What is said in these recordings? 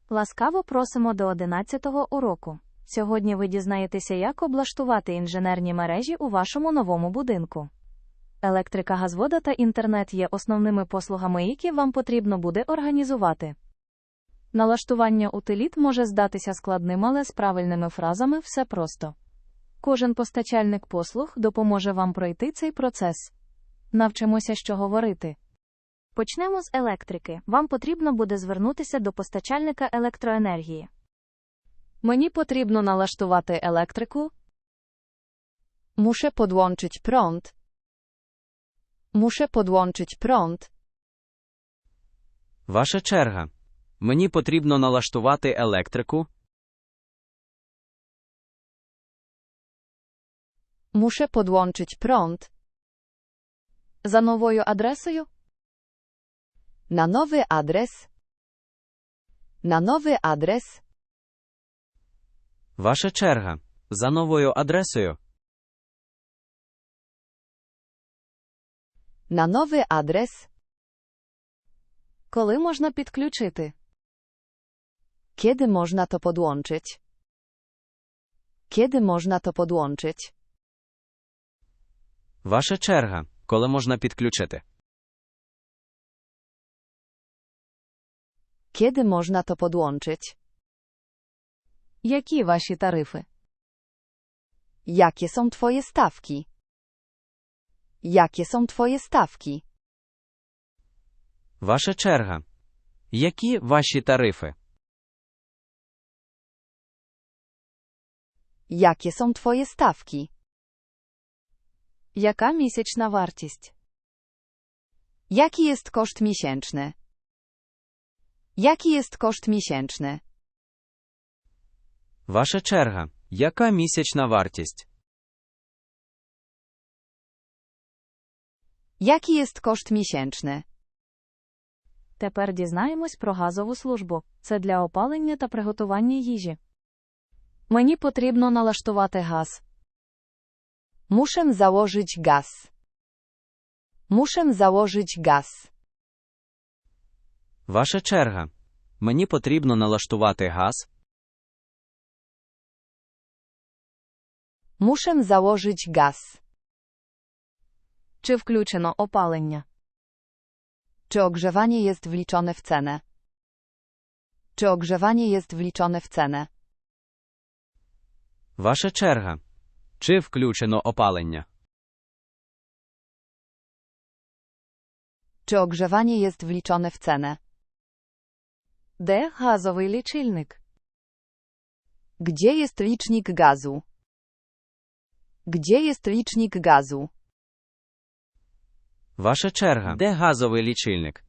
Ласкаво просимо до 11-го уроку. Сьогодні ви дізнаєтеся, як облаштувати інженерні мережі у вашому новому будинку. Електрика газовода та інтернет є основними послугами, які вам потрібно буде організувати. Налаштування утиліт може здатися складним, але з правильними фразами все просто. Кожен постачальник послуг допоможе вам пройти цей процес. Навчимося, що говорити. Почнемо з електрики. Вам потрібно буде звернутися до постачальника електроенергії. Мені потрібно налаштувати електрику. Muszę podłączyć prąd. Muszę podłączyć prąd. Ваша черга. Мені потрібно налаштувати електрику. Muszę podłączyć prąd. За новою адресою. Na nowy adres. Na nowy adres. Ваша черга. За новою адресою. Na nowy adres. Коли можна підключити? Kiedy można to podłączyć? Kiedy można to podłączyć? Ваша черга. Коли можна підключити? Kiedy można to podłączyć? Які ваші тарифи? Jakie są twoje stawki? Jakie są twoje stawki? Ваша черга. Які ваші тарифи? Jakie są twoje stawki? Яка місячна вартість? Jaki jest koszt miesięczny? Jaki jest koszt miesięczny? Ваша черга. Яка місячна вартість? Jaki jest koszt miesięczny? Тепер дізнаємось про газову службу. Це для опалення та приготування їжі. Мені потрібно налаштувати газ. Muszę założyć gaz. Muszę założyć gaz. Ваша черга. Мені потрібно налаштувати газ. Muszę założyć gaz. Чи включено опалення? Czy ogrzewanie jest wliczone w cenę? Czy ogrzewanie jest wliczone w cenę? Ваша черга. Чи включено опалення? Czy ogrzewanie jest wliczone w cenę? Де газовий лічильник? Gdzie jest licznik gazu? Gdzie jest licznik gazu? Ваша черга. Де газовий лічильник?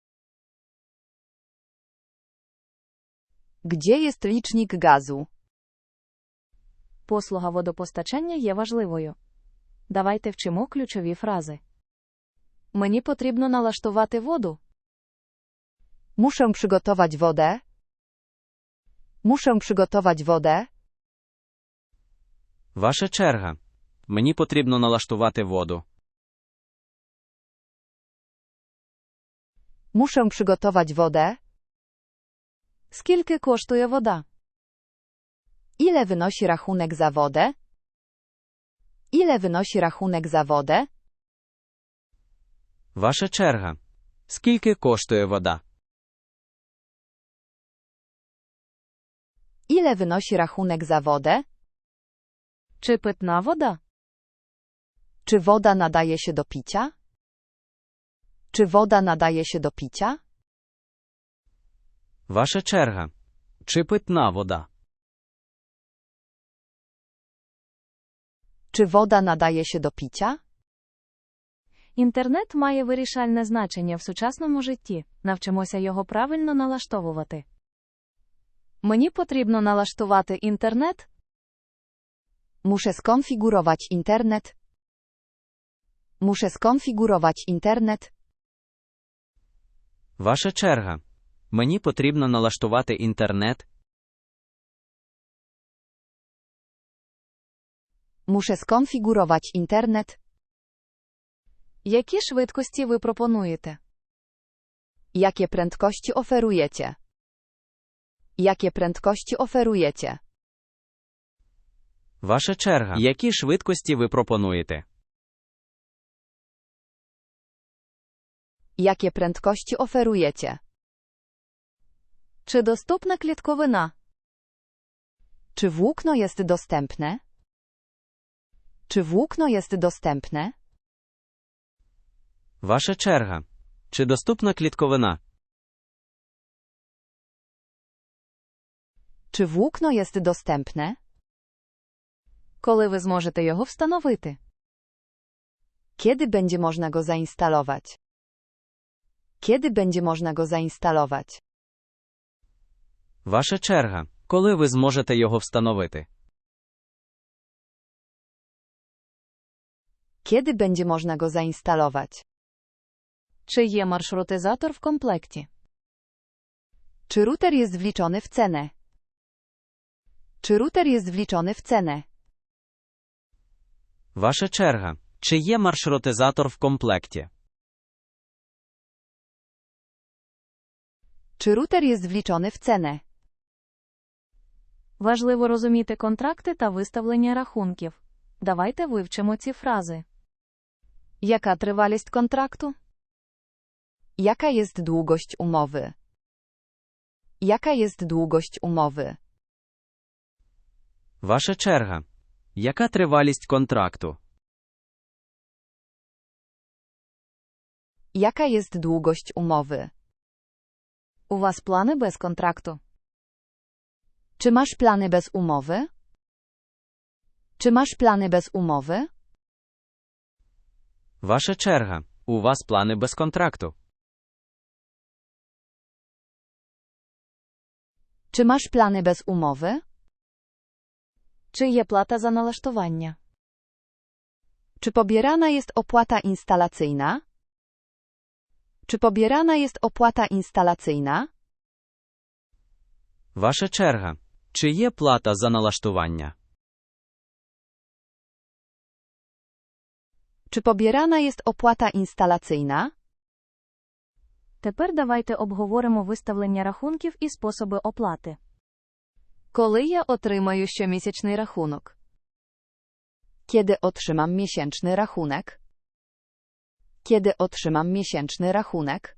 Gdzie jest licznik gazu? Послуга водопостачання є важливою. Давайте вчимо ключові фрази. Мені потрібно налаштувати воду. Muszę przygotować wodę. Muszę przygotować wodę. Ваша черга. Мені потрібно налаштувати воду. Muszę przygotować wodę. Скільки коштує вода? Ile wynosi rachunek za wodę? Ile wynosi rachunek za wodę? Ваша черга. Скільки коштує вода? Ile wynosi rachunek za wodę? Чи питна вода? Czy woda nadaje się do picia? Czy woda nadaje się do picia? Ваша черга. Чи питна вода? Czy woda nadaje się do picia? Інтернет має вирішальне значення в сучасному житті. Навчимося його правильно налаштовувати. Мені потрібно налаштувати інтернет. Muszę skonfigurować internet. Muszę skonfigurować internet. Ваша черга. Мені потрібно налаштувати інтернет. Muszę skonfigurować internet. Які швидкості ви пропонуєте? Jakie prędkości oferujecie? Jakie prędkości oferujecie? Ваша черга. Які швидкості ви пропонуєте? Jakie prędkości oferujecie? Чи доступна клітковина? Czy włókno jest dostępne? Czy włókno jest dostępne? Ваша черга. Чи доступна клітковина? Czy włókno jest dostępne? Коли ви зможете його встановити? Kiedy będzie można go zainstalować? Kiedy będzie można go zainstalować? Ваша черга. Коли ви зможете його встановити? Kiedy będzie można go zainstalować? Чи є маршрутизатор в комплекті? Czy router jest wliczony w cenę? Czy router jest wliczony w cenę? Ваша черга. Чи є маршрутизатор в комплекті? Czy router jest wliczony w cenę? Важливо розуміти контракти та виставлення рахунків. Давайте вивчимо ці фрази. Яка тривалість контракту? Jaka jest długość umowy? Jaka jest długość umowy? Ваша черга. Яка тривалість контракту? Jaka jest długość umowy? У вас плани без контракту? Czy masz plany bez umowy? Czy masz plany bez umowy? Ваша черга. У вас плани без контракту? Czy masz plany bez umowy? Чи є плата за налаштування? Czy pobierana jest opłata instalacyjna? Czy pobierana jest opłata instalacyjna? Ваша черга. Чи є плата за налаштування? Czy pobierana jest opłata instalacyjna? Тепер давайте обговоримо виставлення рахунків і способи оплати. Коли я отримаю щомісячний рахунок? Kiedy otrzymam miesięczny rachunek? Kiedy otrzymam miesięczny rachunek?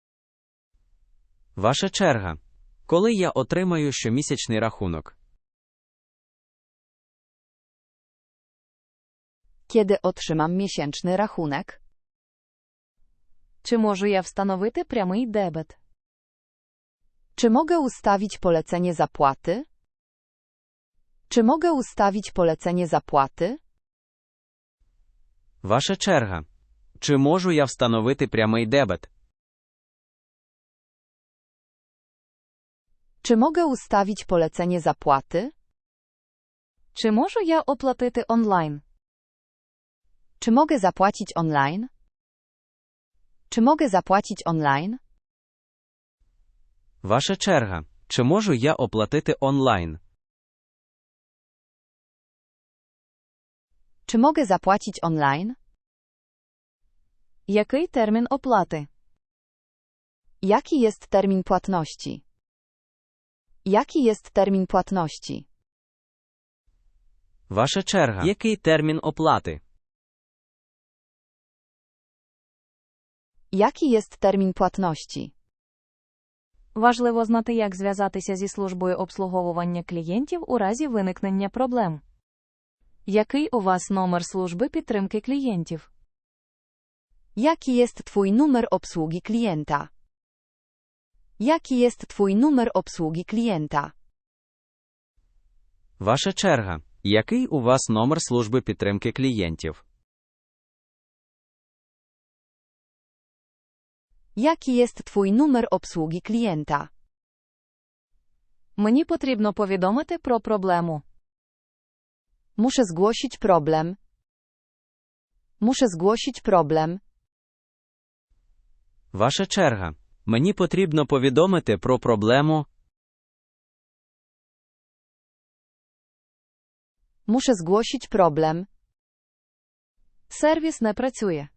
Ваша черга. Коли я отримаю щомісячний рахунок? Kiedy otrzymam miesięczny rachunek? Чи можу я встановити прямий дебет? Czy mogę ustawić polecenie zapłaty? Czy mogę ustawić polecenie zapłaty? Ваша черга. Чи можу я встановити прямий дебет? Czy mogę ustawić polecenie zapłaty? Чи можу я оплатити онлайн? Czy mogę zapłacić online? Czy mogę zapłacić online? Ваша черга. Чи можу я оплатити онлайн? Czy mogę zapłacić online? Який термін оплати? Jaki jest termin płatności? Jaki jest termin płatności? Ваша черга. Який термін оплати? Jaki jest termin płatności? Важливо знати, як зв'язатися зі службою обслуговування клієнтів у разі виникнення проблем. Який у вас номер служби підтримки клієнтів? Jaki jest twój numer obsługi klienta? Jaki jest twój numer obsługi klienta? Ваша черга. Який у вас номер служби підтримки клієнтів? Jaki jest twój numer obsługi klienta? Мені потрібно повідомити про проблему. Muszę zgłosić problem. Muszę zgłosić problem. Ваша черга. Мені потрібно повідомити про проблему. Muszę zgłosić problem. Сервіс не працює.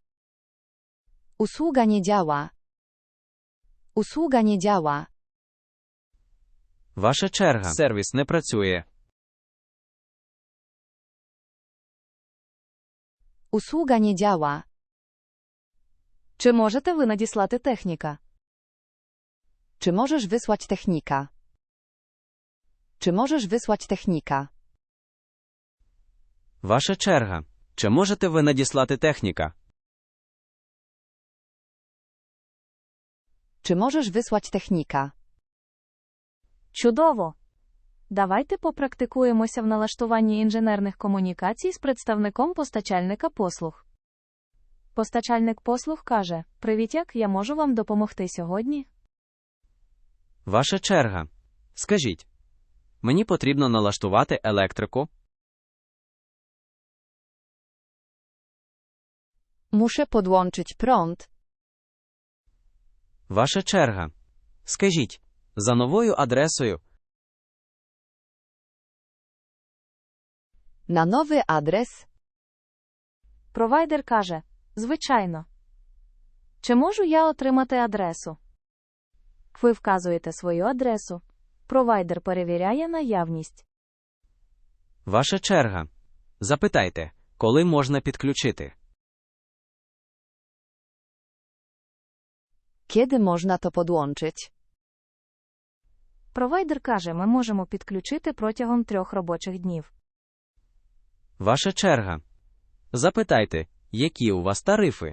Usługa nie działa. Usługa nie działa. Ваша черга. Сервіс не працює. Usługa nie działa. Чи можете ви надіслати техніка? Czy możesz wysłać technika? Czy możesz wysłać technika? Ваша черга. Чи можете ви надіслати техніка? Czy możesz wysłać technika? Чудово! Давайте попрактикуємося в налаштуванні інженерних комунікацій з представником постачальника послуг. Постачальник послуг каже: «Привіт, як я можу вам допомогти сьогодні?» Ваша черга. Скажіть. Мені потрібно налаштувати електрику. Muszę podłączyć prąd. Ваша черга. Скажіть. За новою адресою. Na nowy adres. Провайдер каже: «Звичайно. Чи можу я отримати адресу?» Ви вказуєте свою адресу. Провайдер перевіряє наявність. Ваша черга. Запитайте, коли можна підключити. Kiedy można to podłączyć? Провайдер каже: «Ми можемо підключити протягом 3 робочих днів». Ваша черга. Запитайте, які у вас тарифи.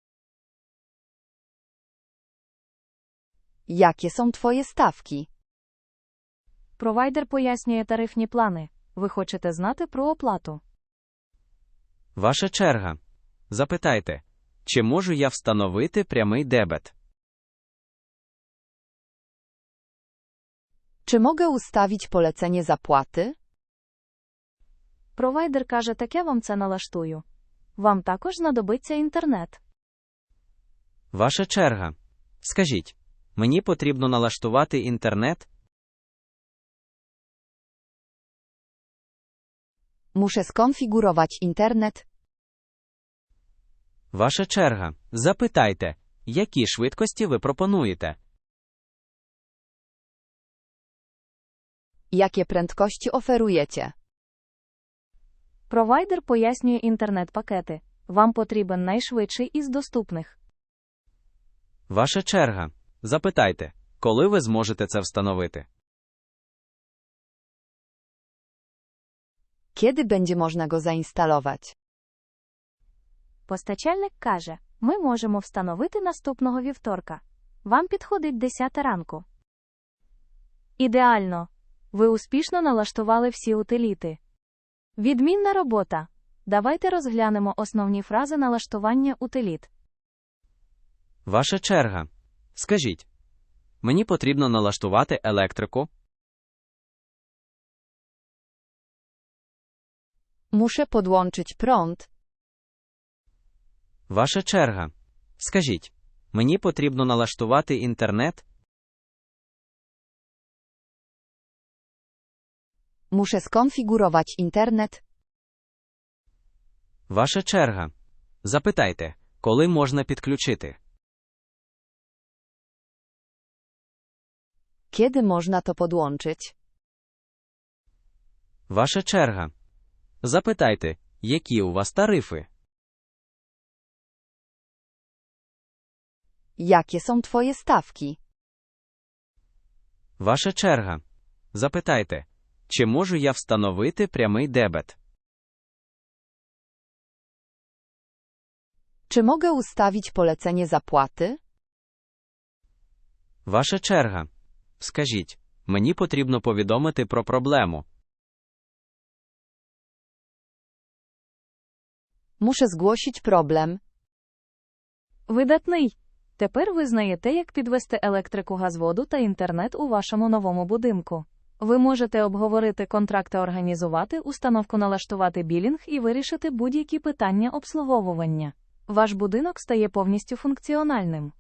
Jakie są twoje stawki? Провайдер пояснює тарифні плани. Ви хочете знати про оплату. Ваша черга. Запитайте, чи можу я встановити прямий дебет. Czy mogę ustawić polecenie zapłaty? Провайдер каже: «Так я вам це налаштую. Вам також знадобиться інтернет». Ваша черга. Скажіть, мені потрібно налаштувати інтернет. Muszę skonfigurować internet. Ваша черга. Запитайте, які швидкості ви пропонуєте. Jakie prędkości oferujecie? Провайдер пояснює інтернет-пакети. Вам потрібен найшвидший із доступних. Ваша черга. Запитайте, коли ви зможете це встановити. Kiedy będzie można go zainstalować? Постачальник каже: «Ми можемо встановити наступного вівторка. Вам підходить 10 ранку». Ідеально! Ви успішно налаштували всі утиліти. Відмінна робота! Давайте розглянемо основні фрази налаштування утиліт. Ваша черга. Скажіть, мені потрібно налаштувати електрику. Muszę podłączyć prąd. Ваша черга. Скажіть, мені потрібно налаштувати інтернет. Muszę skonfigurować internet. Ваша черга. Запитайте, коли можна підключити. Kiedy można to podłączyć? Ваша черга. Запитайте, які у вас тарифи. Jakie są twoje stawki? Ваша черга. Запитайте, чи можу я встановити прямий дебет. Czy mogę ustawić polecenie zapłaty? Ваша черга. Скажіть, мені потрібно повідомити про проблему. Muszę zgłosić problem. Видатний! Тепер ви знаєте, як підвести електрику, газводу та інтернет у вашому новому будинку. Ви можете обговорити контракт та організувати установку, налаштувати білінг і вирішити будь-які питання обслуговування. Ваш будинок стає повністю функціональним.